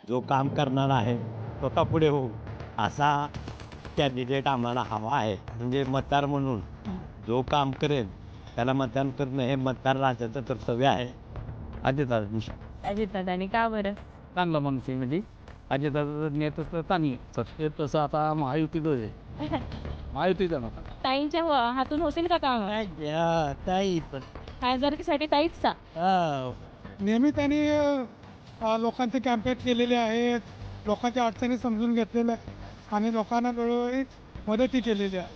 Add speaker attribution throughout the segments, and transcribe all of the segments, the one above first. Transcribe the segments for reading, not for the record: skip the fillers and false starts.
Speaker 1: जो काम करणारा आहे स्वतः पुढे होऊ असा कॅन्डिडेट आम्हाला हवा आहे. म्हणजे मतदार म्हणून जो काम करेल त्याला मतदान करणं हे मतदार राजाचं कर्तव्य आहे. अजितदादा.
Speaker 2: अजितदादांनी का बरं?
Speaker 3: चांगलं माणूस आहे म्हणजे अजितदादाचं नेतृत्व चांगलं आहे. तसं आता महायुतीचं आहे. महायुतीचं ना
Speaker 2: ताईंच्या हातून होतील का काम?
Speaker 1: ताई पण
Speaker 2: खासदारकीसाठी ताईच का?
Speaker 4: नेहमी त्यांनी लोकांचे कॅम्पेन केलेले आहेत, लोकांच्या अडचणी समजून घेतलेल्या आहेत आणि लोकांना वेळोवेळी मदतही केलेली आहे.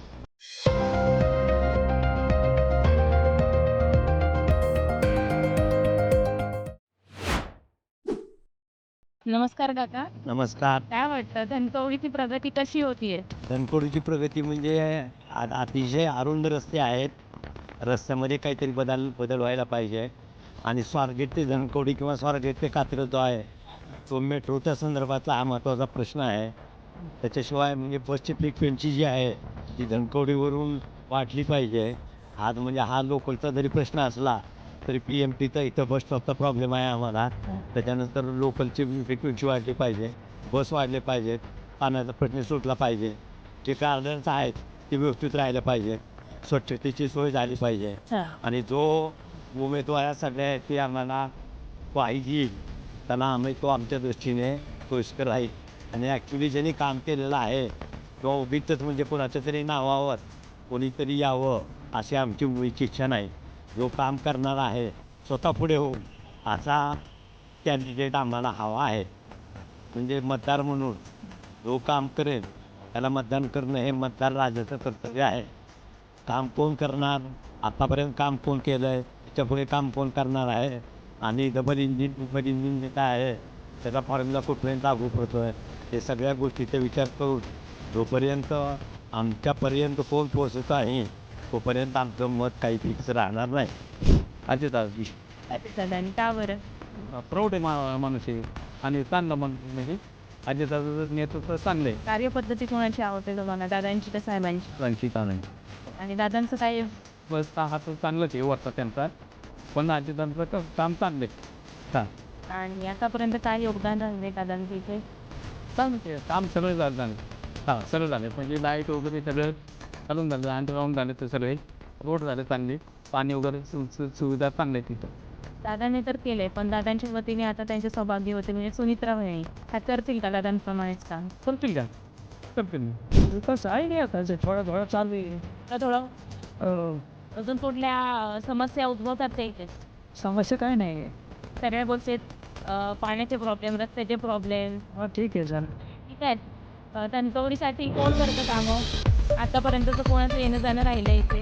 Speaker 2: नमस्कार काका.
Speaker 1: नमस्कार.
Speaker 2: काय वाटतं धनकवडीची प्रगती कशी होतीये?
Speaker 1: धनकोडीची प्रगती म्हणजे अतिशय अरुंद रस्ते आहेत. रस्त्यामध्ये काहीतरी बदल व्हायला पाहिजे आणि स्वारगेट ते धनकवडी किंवा स्वारगेट ते कात्रज जो आहे तो मेट्रोच्या संदर्भातला हा महत्त्वाचा प्रश्न आहे. त्याच्याशिवाय म्हणजे बसची फ्रिक्वेन्सी जी आहे ती धनकवडीवरून वाढली पाहिजे. आज म्हणजे हा लोकलचा जरी प्रश्न असला तरी PMTचा इथं बस स्टॉपचा प्रॉब्लेम आहे आम्हाला. त्याच्यानंतर लोकलची फ्रिक्वेन्सी वाढली पाहिजे, बस वाढले पाहिजेत, पाण्याचा प्रश्न सुटला पाहिजे, जे गार्डन्स आहेत ते व्यवस्थित राहिलं पाहिजे, स्वच्छतेची सोय झाली पाहिजे आणि जो उमेदवारासाठी आहे ते आम्हाला पाहिजे त्यांना आम्ही तो आमच्या दृष्टीने सोयीस्कर राहील. आणि ॲक्च्युली ज्यांनी काम केलेलं आहे किंवा उगीचच म्हणजे कोणाच्या तरी नावावर कोणीतरी यावं अशी आमची मुळीची इच्छा नाही. जो काम करणारा आहे स्वतः पुढे होऊ असा कॅन्डिडेट आम्हाला हवा आहे. म्हणजे मतदार म्हणून जो काम करेल त्याला मतदान करणं हे मतदार राजाचं कर्तव्य आहे. काम कोण करणार, आतापर्यंत काम कोण केलं आहे, त्याच्यापुढे काम कोण करणार आहे आणि डबल इंजिन जे काय आहे त्याचा फॉर्म्युला कुठपर्यंत लागू पडतो आहे हे सगळ्या गोष्टीचा विचार करून जोपर्यंत आमच्यापर्यंत कोण पोचत आहे तोपर्यंत आमचं मत काही फिक्स राहणार नाही.
Speaker 2: अजितदादांनी का बरं?
Speaker 3: प्रौढ आहे माणूस आहे आणि चांगलं माणूस म्हणजे अजितदादाचं नेतृत्व चांगलं आहे.
Speaker 2: कार्यपद्धती कोणाची आवडते तुम्हाला, दादांची का साहेबांची? आणि दादांचं काय?
Speaker 3: बस हा तर चांगलंच आहे वरचा त्यांचा, पण अजितदादाचं काम चांगलं आहे.
Speaker 2: आणि आतापर्यंत काय योगदान राहिले दादांचं इथे?
Speaker 3: चांगलं काम सगळं झालं. सगळं झालं म्हणजे लाईट वगैरे सगळं चालून झालं, अंडरग्राऊंड झालं तर सगळे रोड झाले चांगले, पाणी वगैरे सुविधा चांगल्या आहेत तिथं.
Speaker 2: दादांनी तर केले, पण दादांच्या वतीने आता त्यांचे सौभाग्य होते म्हणजे सुनित्रा वहिनी ह्या करतील का दादांप्रमाणेच काम?
Speaker 3: करतील का? करतील कसं आहे नाही आता थोडं चालू आहे.
Speaker 2: थोडं अजून कुठल्या समस्या उद्भवतात ते इथे?
Speaker 3: समस्या काय नाही.
Speaker 2: सगळ्या गोष्टीत पाण्याचे प्रॉब्लेम, रस्त्याचे प्रॉब्लेम.
Speaker 3: ठीक आहे सर.
Speaker 2: ठीक आहे. धनकवडीसाठी कोण करतं कामं? आतापर्यंतचं कोणाचं येणं जाणं राहिलं इथे?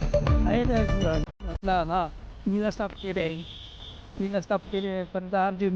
Speaker 3: मी स्टाफ केले पण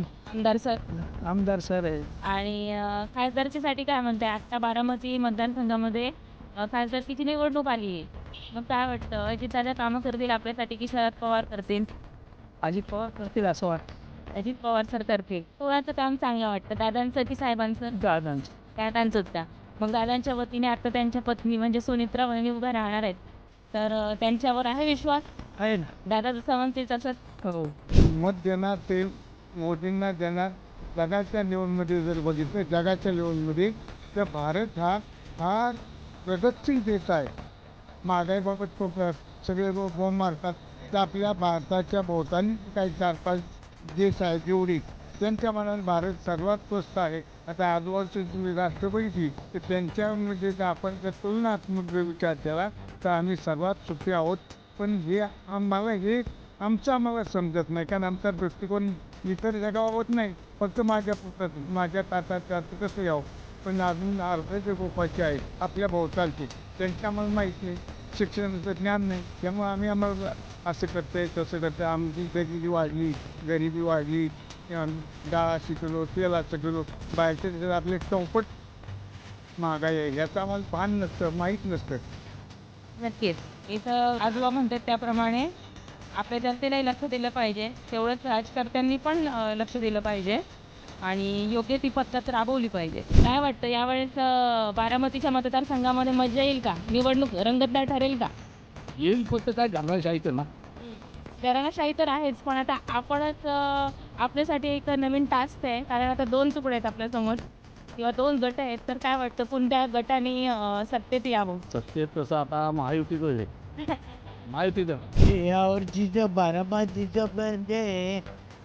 Speaker 3: आमदार सर आहे.
Speaker 2: आणि खासदारकीसाठी काय म्हणताय? आत्ता बारामती मतदारसंघामध्ये खासदारकीची निवडणूक आली आहे. मग काय वाटतं, अजितदादा कामं करतील आपल्यासाठी की शरद पवार करतील?
Speaker 3: अजित पवार करतील असं वाटतं.
Speaker 2: अजित पवार सर करतील. कोणाचं काम चांगलं वाटतं, दादांचं की साहेबांचं? दादांचंच का? मग दादांच्या वतीने आता त्यांच्या पत्नी म्हणजे सुनित्रा वहिनी उभ्या राहणार आहेत, तर त्यांच्यावर आहे विश्वास?
Speaker 3: आहे ना.
Speaker 2: दादा जसं म्हणतील तसंच.
Speaker 3: हो.
Speaker 4: मत देणार ते मोदींना देणार. जगाच्या लेवलमध्ये जर बघितलं, जगाच्या लेवलमध्ये तर भारत हा फार प्रगतशील देश आहे. महागाईबाबत सगळे लोक बोंब मारतात, तर आपल्या भारताच्या भोवतानी काही 4-5 देश आहेत जेवढी त्यांच्या मनात भारत सर्वात स्वस्त आहे. आता आजूबाजूची तुम्ही राष्ट्रपती तर त्यांच्यामध्ये जर आपण जर तुलनात्मक विचार केला तर आम्ही सर्वात सुखी आहोत. पण हे आम्हाला समजत नाही, कारण आमचा दृष्टिकोन इतर जगावर होत नाही. फक्त माझ्या ताटात कसं यावं, पण अजून अर्धे जे गोपाचे आहेत आपल्या भोवतालचे त्यांच्या आम्हाला माहीत नाही, शिक्षणाचं ज्ञान नाही. त्यामुळे आम्हाला असं करतं आहे तसं करतं. आमची गरिबी वाढली, डाळ शिकलो, तेलाचं किलो, बाहेरचे जर आपले चौपट महागाई आहे याचं आम्हाला भान नसतं, माहीत नसतं.
Speaker 2: नक्कीच. इथं आजोबा म्हणतात त्याप्रमाणे आपल्या जनतेलाही लक्ष दिलं पाहिजे, तेवढंच राजकर्त्यांनी पण लक्ष दिलं पाहिजे आणि योग्य ती पद्धत राबवली पाहिजे. काय वाटतं यावेळेस बारामतीच्या मतदारसंघामध्ये मजा येईल का? निवडणूक रंगतदार ठरेल का?
Speaker 3: येईल फक्त काय घालवायचं आहे ना.
Speaker 2: घराण्याशाही तर आहेच, पण आता आपणच आपल्यासाठी एक नवीन टास्क आहे, कारण आता 2 तुकडे आहेत आपल्यासमोर किंवा 2 गट आहेत. तर काय वाटतं कोणत्या गटाने सत्तेत यावं?
Speaker 3: सत्तेत तसं आता महायुतीचं आहे. महायुतीचं
Speaker 1: यावर्षीचं बारामतीचं म्हणजे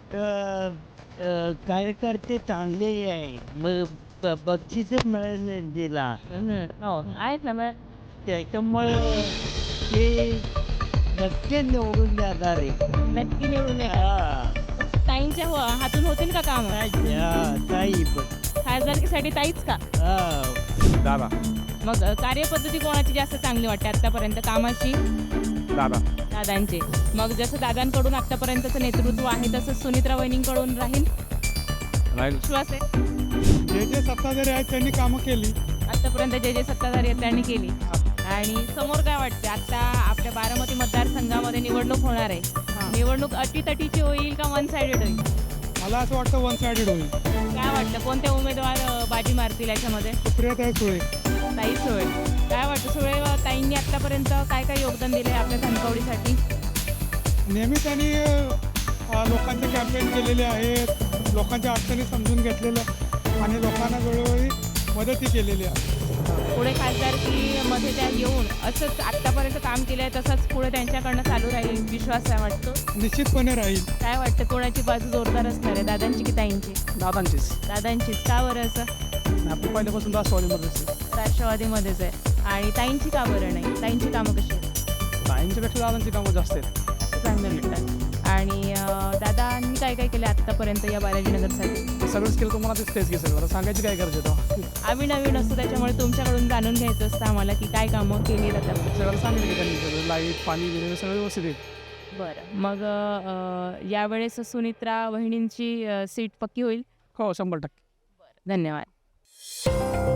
Speaker 1: कार्यकर्ते चांगले आहे. मग बक्षीस मिळालं तिला
Speaker 2: हो आहेत ना मग.
Speaker 1: त्याच्यामुळे ते नक्की निवडून जाणार आहे.
Speaker 2: नक्की निवडून येणार. ताईंच्या हातून होतील का काम?
Speaker 1: ताई पण
Speaker 2: खासदारकीसाठी ताईच का?
Speaker 3: दादा
Speaker 2: मग कार्यपद्धती कोणाची जास्त चांगली वाटते आतापर्यंत कामाची?
Speaker 3: दादा
Speaker 2: दादांचे. मग जसं दादांकडून आतापर्यंतचं नेतृत्व आहे तसं सुनित्रा वहिनींकडून राहील
Speaker 3: राहील.
Speaker 2: विश्वास आहे?
Speaker 4: जे जे सत्ताधारी आहेत त्यांनी कामं केली.
Speaker 2: आतापर्यंत जे जे सत्ताधारी आहेत त्यांनी केली. आणि समोर काय वाटते आता आपल्या बारामती मतदारसंघामध्ये निवडणूक होणार आहे. निवडणूक अटीतटीची होईल का वन साइडेड होईल?
Speaker 4: मला असं वाटतं वन साइडेड होईल.
Speaker 2: काय वाटतं कोणते उमेदवार बाजी मारतील याच्यामध्ये?
Speaker 4: सुप्रियाताई सुळे.
Speaker 2: ताई सुळे. काय वाटतं सुळे ताईंनी आतापर्यंत काय काय योगदान दिलं आहे आपल्या धनकवडीसाठी?
Speaker 4: नेहमी त्यांनी लोकांचे कॅम्पेन केलेले आहेत, लोकांच्या अडचणी समजून घेतलेल्या आणि लोकांना वेळोवेळी मदतही केलेली आहे.
Speaker 2: पुढे खासदारकीमध्ये त्या येऊन असंच आत्तापर्यंत काम केलं आहे तसंच पुढे त्यांच्याकडनं चालू राहील विश्वास आहे वाटतो?
Speaker 4: निश्चितपणे राहील.
Speaker 2: काय वाटतं कोणाची बाजू जोरदार असणार आहे, दादांची की ताईंची?
Speaker 3: दादांचीच.
Speaker 2: दादांचीच. का बरं असं?
Speaker 3: आपण पहिल्यापासून राष्ट्रवादीमध्येच
Speaker 2: राष्ट्रवादीमध्येच आहे. आणि ताईंची का बरं नाही? ताईंची कामं कशी आहेत?
Speaker 3: ताईंच्यापेक्षा दादांची कामं जास्त आहेत.
Speaker 2: चांगलं मिळतात. आणि दादांनी काय काय केलं आत्तापर्यंत या बालाजीनगरसाठी?
Speaker 3: सगळंच केलं तुम्हाला तेच की सगळं सांगायची काय गरज आहे?
Speaker 2: आम्ही नवीन असतो त्याच्यामुळे तुमच्याकडून जाणून घ्यायचं असतं आम्हाला की काय कामं केली जातात.
Speaker 3: सगळं सांगितलं की त्यांनी सगळं लाईट पाणी वगैरे सगळं व्यवस्थित आहे.
Speaker 2: बरं. मग यावेळेस सुनित्रा वहिनींची सीट पक्की होईल?
Speaker 3: हो 100%.
Speaker 2: धन्यवाद.